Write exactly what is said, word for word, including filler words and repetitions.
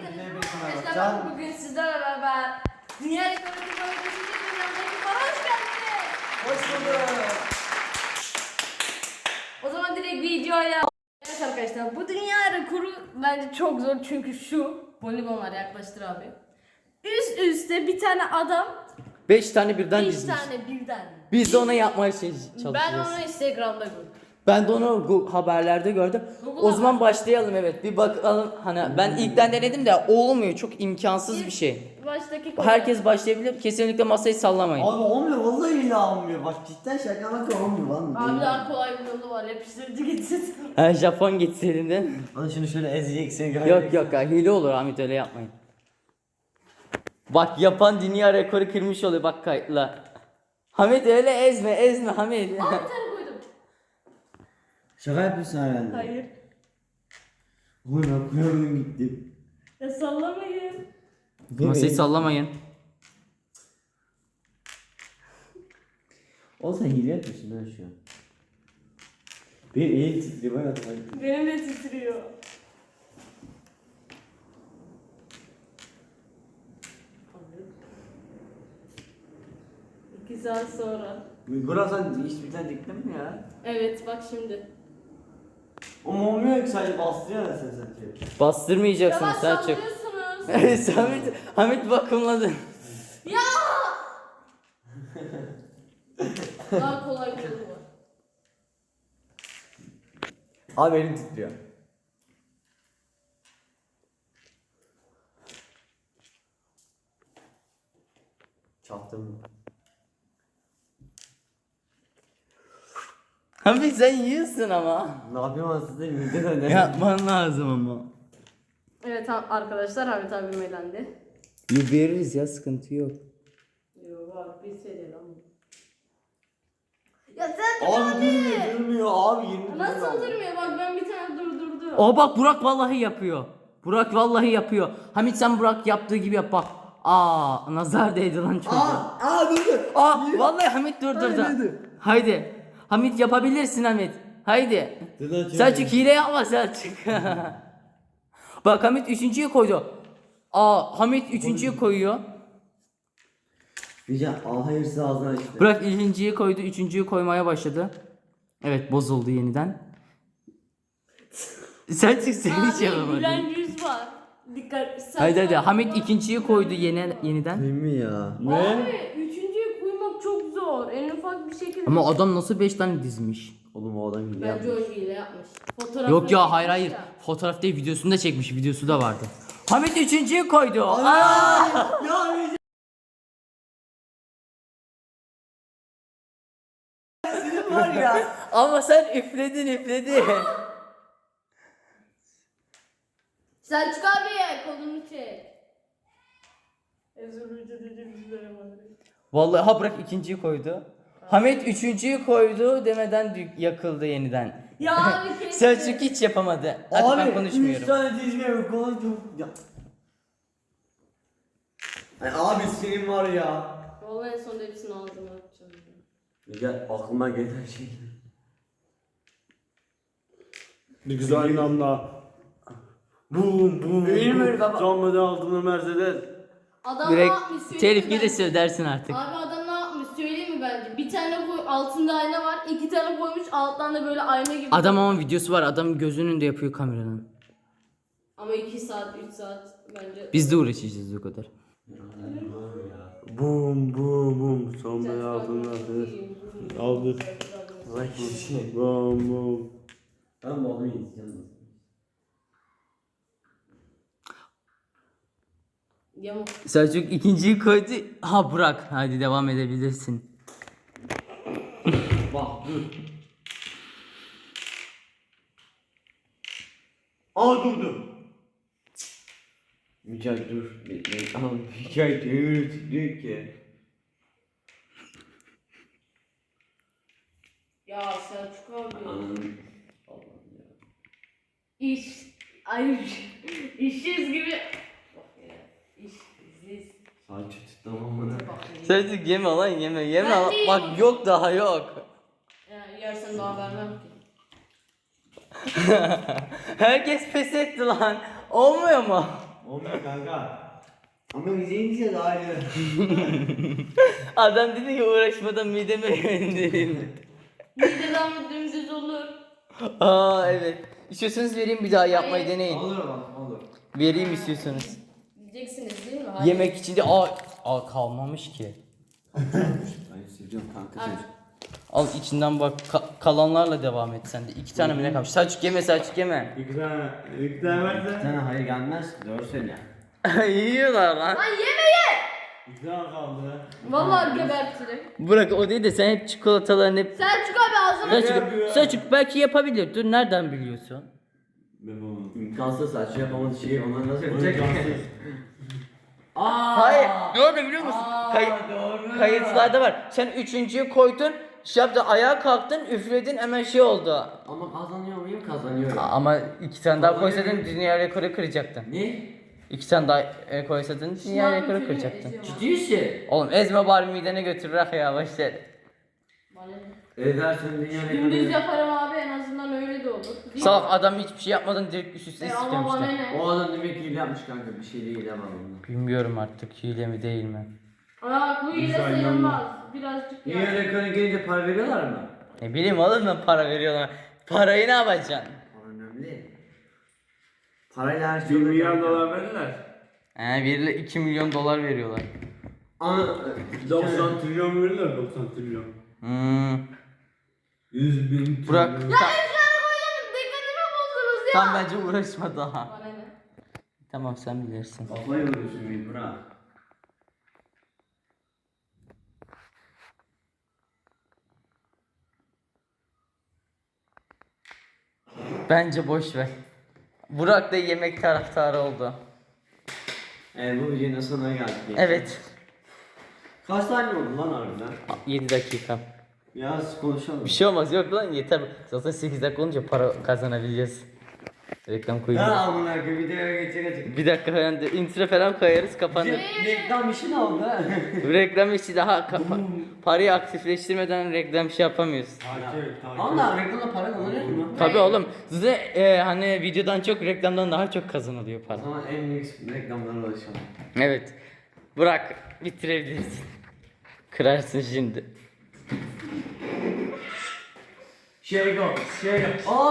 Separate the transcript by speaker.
Speaker 1: Arkadaşlar bugün sizlerle beraber Dünya Rekoru Kırmalı beşinci programdaki bana hoş geldiniz.
Speaker 2: Hoş bulduk.
Speaker 1: O zaman direkt videoya. Evet arkadaşlar, bu dünya rekoru bence çok zor çünkü şu bonibonlar yaklaştır abi. Üst üste bir tane adam
Speaker 2: Beş tane birden
Speaker 1: beş
Speaker 2: dizmiş.
Speaker 1: tane birden.
Speaker 2: Biz de ona yapmaya şey çalışıyoruz.
Speaker 1: Ben onu Instagram'da gördüm.
Speaker 2: Ben de onu Gu- haberlerde gördüm.
Speaker 1: Google'a
Speaker 2: O zaman
Speaker 1: bak.
Speaker 2: başlayalım, evet. Bir bakalım. Hani ben ilkten denedim de olmuyor. Çok imkansız bir şey.
Speaker 1: Baştaki konu.
Speaker 2: Herkes başlayabilir. Kesinlikle masayı sallamayın.
Speaker 3: Abi olmuyor, vallahi billahi olmuyor. Bak cidden şaka bak olmuyor lan.
Speaker 1: Abi daha kolay bir yolu var, yapıştırıcı gitsin.
Speaker 2: Ha, Japon gitseydin de.
Speaker 3: Lan şunu şöyle ezeceksin.
Speaker 2: Yok yok ha, hile olur Ahmet, öyle yapmayın. Bak yapan dünya rekoru kırmış oluyor, bak kayıtla. Hamit öyle ezme ezme Hamit.
Speaker 1: Aa, bir tane koydum.
Speaker 3: Şaka yapıyorsun herhalde.
Speaker 1: Hayır.
Speaker 3: Oğlum ben koyamadım gittim.
Speaker 1: Ya sallamayın.
Speaker 2: Masayı sallamayın.
Speaker 3: Oğlum sen hile yapıyorsun ha şu an. Benim elim titriyor bak hadi.
Speaker 1: Benim de titriyor. İki saat sonra.
Speaker 3: Burası sen hiç bir tane diktin mi ya?
Speaker 1: Evet bak şimdi.
Speaker 3: O olmuyor ki sadece bastırıyor ya sen sanki.
Speaker 2: Bastırmayacaksın
Speaker 1: Yavaş
Speaker 2: Selçuk.
Speaker 1: sallıyorsunuz.
Speaker 2: Evet Hamit, Hamit vakumladı.
Speaker 1: Ya! Daha kolay bir yolu var.
Speaker 3: Abi elim titriyor. Çaktım mı?
Speaker 2: Hamit sen yiyorsun ama.
Speaker 3: Ne yapayım aslında mideden ne?
Speaker 2: Yapman lazım ama.
Speaker 1: Evet ha- arkadaşlar, Hamit abim elendi.
Speaker 2: Bir veririz ya, sıkıntı yok.
Speaker 1: Yok bak bir seri lan. Ya sen
Speaker 3: Abi durmuyor durmuyor abi yemin
Speaker 1: nasıl durmuyor, bak ben bir tane durdurdum.
Speaker 2: O bak Burak vallahi yapıyor. Burak vallahi yapıyor. Hamit sen Burak yaptığı gibi yap bak. Aa, nazar değdi lan çocuğa.
Speaker 3: Aa, aa dur dur.
Speaker 2: Aa, vallahi Hamit durdurdu.
Speaker 3: Haydi.
Speaker 2: Haydi. Hamit yapabilirsin Hamit. Haydi.
Speaker 3: Dur lan, çekil.
Speaker 2: Selçuk hile yapma Selçuk. Bak Hamit üçüncüyü koydu. Aa, Hamit üçüncüyü koyuyor.
Speaker 3: Rica aa hayırsız ağzına açtı.
Speaker 2: Burak ikinciyi koydu, üçüncüyü koymaya başladı. Evet, bozuldu yeniden. Selçuk sen hiç
Speaker 1: Abi
Speaker 2: yapamadın.
Speaker 1: gülen yüz var. Dikkat. Sen
Speaker 2: Haydi hadi,
Speaker 1: bak-
Speaker 2: Hamit ikinciyi koydu yeni, yeniden.
Speaker 3: Değil mi ya?
Speaker 1: Abi üçüncüyü koymak çok zor. En ufak bir şekilde.
Speaker 2: Ama adam nasıl beş tane dizmiş?
Speaker 3: Oğlum o adam gibi
Speaker 1: Bence
Speaker 3: yapmış.
Speaker 1: o hile yapmış. Fotoğraf
Speaker 2: Yok ya, hayır hayır. Fotoğraf değil, videosunu da çekmiş, videosu da vardı. Hamit üçüncüyü koydu. Aa!
Speaker 3: Ya Rica. Senin var ya.
Speaker 2: Ama sen üfledin üfledin.
Speaker 1: Selçuk abi kolunu çek. Ezberci dedi bizlere bak.
Speaker 2: Vallahi ha, bırak ikinciyi koydu. Hamit üçüncüyü koydu demeden dü- yakıldı yeniden.
Speaker 1: Ya abi keşke.
Speaker 2: Selçuk hiç yapamadı. Hadi ben
Speaker 3: Abi üç
Speaker 2: konuşmuyorum.
Speaker 3: tane dizmiyor kolay çok. Ya. Ay, abi senin var ya.
Speaker 1: Vallahi en sonunda hepsini ağzıma atacağım.
Speaker 3: Rica aklıma gelen şey.
Speaker 4: Ne güzel namla.
Speaker 3: Bum bum.
Speaker 2: Bilmiyorum baba.
Speaker 4: Son model altında Mercedes.
Speaker 1: Adam
Speaker 2: Direkt
Speaker 1: ne yapmış söyleyeyim
Speaker 2: telif
Speaker 1: mi
Speaker 2: gelirse
Speaker 1: bence?
Speaker 2: ödersin artık.
Speaker 1: Abi adam ne yapmış söyleyeyim mi bence? Bir tane koy, altında ayna var, iki tane koymuş, alttan da böyle ayna gibi.
Speaker 2: Adam ama videosu var. Adam gözünün önünde yapıyor kameranın.
Speaker 1: Ama iki saat, üç saat bence.
Speaker 2: Biz de uğraşacağız o kadar.
Speaker 4: Bum bum bum. Son model altında Mercedes. Aldı.
Speaker 3: Vay şey.
Speaker 4: Bum bum.
Speaker 3: Ben bu adamı yiyeceğim.
Speaker 1: Yamuk.
Speaker 2: Selçuk ikinciyi koydu. Ha, Burak. Hadi devam edebilirsin.
Speaker 3: Bak dur. Aa durdu. Mücahit dur. Bekle. Tamam. Mücahit öyle tutuyor ki.
Speaker 1: Ya Selçuk abi.
Speaker 3: Anladım. Allah'ım ya.
Speaker 1: İş. Ay. İşsiz gibi. Bak ya. İşsiz.
Speaker 3: Saçı tutmam bana.
Speaker 1: Bak.
Speaker 2: Selçuk yeme lan, yeme yeme.
Speaker 1: Ben değilim.
Speaker 2: Bak yok, daha yok.
Speaker 1: Ya, yersen daha vermem ki.
Speaker 2: Herkes pes etti lan. Olmuyor mu?
Speaker 3: Olmuyor kanka. Ama izleyince de ayrı.
Speaker 2: Adam dedi ki uğraşmadan mideme indireyim.
Speaker 1: Mideden mi dümdüz olur?
Speaker 2: Aa evet. İstiyorsanız vereyim bir daha yapmayı
Speaker 1: Hayır.
Speaker 2: deneyin.
Speaker 3: Olur bak olur.
Speaker 2: Vereyim istiyorsanız.
Speaker 1: Diyeceksiniz değil mi? Hayır.
Speaker 2: Yemek içinde aa, aa kalmamış ki.
Speaker 3: Ben seviyorum kanka
Speaker 1: Al.
Speaker 3: seni.
Speaker 2: Al içinden bak ka- kalanlarla devam et sen de. İki tane mi ne kalmış? Selçuk yeme Selçuk yeme.
Speaker 4: İki tane, iki tane
Speaker 3: Bir
Speaker 4: verse.
Speaker 3: tane hayır gelmez. Doğru söyle.
Speaker 2: Yiyorlar lan.
Speaker 1: Lan yemeyin!
Speaker 4: İki tane kaldı.
Speaker 1: Vallahi gebertirim.
Speaker 2: Bırak o değil de sen hep çikolataların hep...
Speaker 1: Selçuk abi ağzına
Speaker 2: Selçuk, Selçuk belki yapabilir. Dur nereden biliyorsun?
Speaker 4: Ben bunu.
Speaker 3: İmkansız saçma yapamadığı şeyi onlar nasıl yapacak?
Speaker 4: İmkansız.
Speaker 3: Aa.
Speaker 2: Hayır. Ne oldu biliyor musun?
Speaker 3: Aa,
Speaker 2: Kay-
Speaker 3: doğru.
Speaker 2: kayıtlarda var. Sen üçüncüyü koydun. Şey yaptı ayağa kalktın üfledin hemen şey oldu.
Speaker 3: Ama kazanıyor muyum? Kazanıyorum.
Speaker 2: Ama iki tane daha koysaydın dünya rekoru kıracaktın.
Speaker 3: Ne?
Speaker 2: İki tane daha e, koysaydın dünya
Speaker 1: Şınav
Speaker 2: rekoru
Speaker 1: külünü
Speaker 2: kıracaktın.
Speaker 1: eziyorum abi.
Speaker 3: Ciddi misin?
Speaker 2: Oğlum ezme bari midene götürür ah ya başlar.
Speaker 1: Bana ne?
Speaker 3: Edersen dünya
Speaker 1: Dümdüz
Speaker 3: rekoru.
Speaker 1: yaparım abi en azından öyle de olur. Değil mi?
Speaker 2: Salak adam hiçbir şey yapmadan direkt üst üste
Speaker 1: E ama bana
Speaker 2: sıçramışlar.
Speaker 1: ne?
Speaker 3: O adam demek ki hile yapmış kanka. Bir şey değil ama bundan.
Speaker 2: Bilmiyorum artık hile mi değil mi?
Speaker 1: Aa bu ile
Speaker 4: İnsan
Speaker 1: sayılmaz. Birazcık
Speaker 3: Dünya
Speaker 1: ya.
Speaker 3: rekoru gelince para veriyorlar mı?
Speaker 2: Ne bileyim oğlum lan para veriyorlar. Parayı ne yapacaksın?
Speaker 3: Para önemli. Parayla her şey
Speaker 4: Bir
Speaker 3: olur
Speaker 4: milyon
Speaker 3: kanka.
Speaker 4: dolar verirler.
Speaker 2: He biriyle iki milyon dolar veriyorlar.
Speaker 3: Ana.
Speaker 4: doksan trilyon verirler doksan trilyon.
Speaker 2: Hmm.
Speaker 4: yüz bin
Speaker 2: Burak.
Speaker 4: trilyon.
Speaker 1: Ya efsane koyalım dikkatimi bozdunuz ya.
Speaker 2: Tam bence uğraşma daha.
Speaker 1: Bana ne?
Speaker 2: Tamam sen bilirsin.
Speaker 3: Kafayı vuruyorsun bir bırak.
Speaker 2: Bence boş ver. Burak da yemek taraftarı oldu.
Speaker 3: Evet bu videonun sonuna geldik.
Speaker 2: Evet.
Speaker 3: Kaç saniye oldu lan harbiden?
Speaker 2: yedi dakika.
Speaker 3: Biraz konuşalım.
Speaker 2: Bir şey olmaz yok lan yeter. Zaten sekiz dakika olunca para kazanabileceğiz. Reklam
Speaker 3: Ha
Speaker 2: koyacağız.
Speaker 3: amına koyayım videoya geçecek açık.
Speaker 2: Bir dakika falan de intro falan koyarız kapanır.
Speaker 3: Reklam işi ne oldu?
Speaker 2: reklam işi daha kapa- parayı aktifleştirmeden reklam şey yapamıyoruz.
Speaker 4: Takip, takip.
Speaker 3: Allah reklamda para kazanıyor mu?
Speaker 2: Tabii oğlum. Size e, hani videodan çok reklamdan daha çok kazanılıyor
Speaker 3: O
Speaker 2: para.
Speaker 3: zaman en büyük reklamlara ulaşalım.
Speaker 2: Evet. Burak bitirebilirsin. Kırarsın şimdi.
Speaker 3: Şey go, şey go.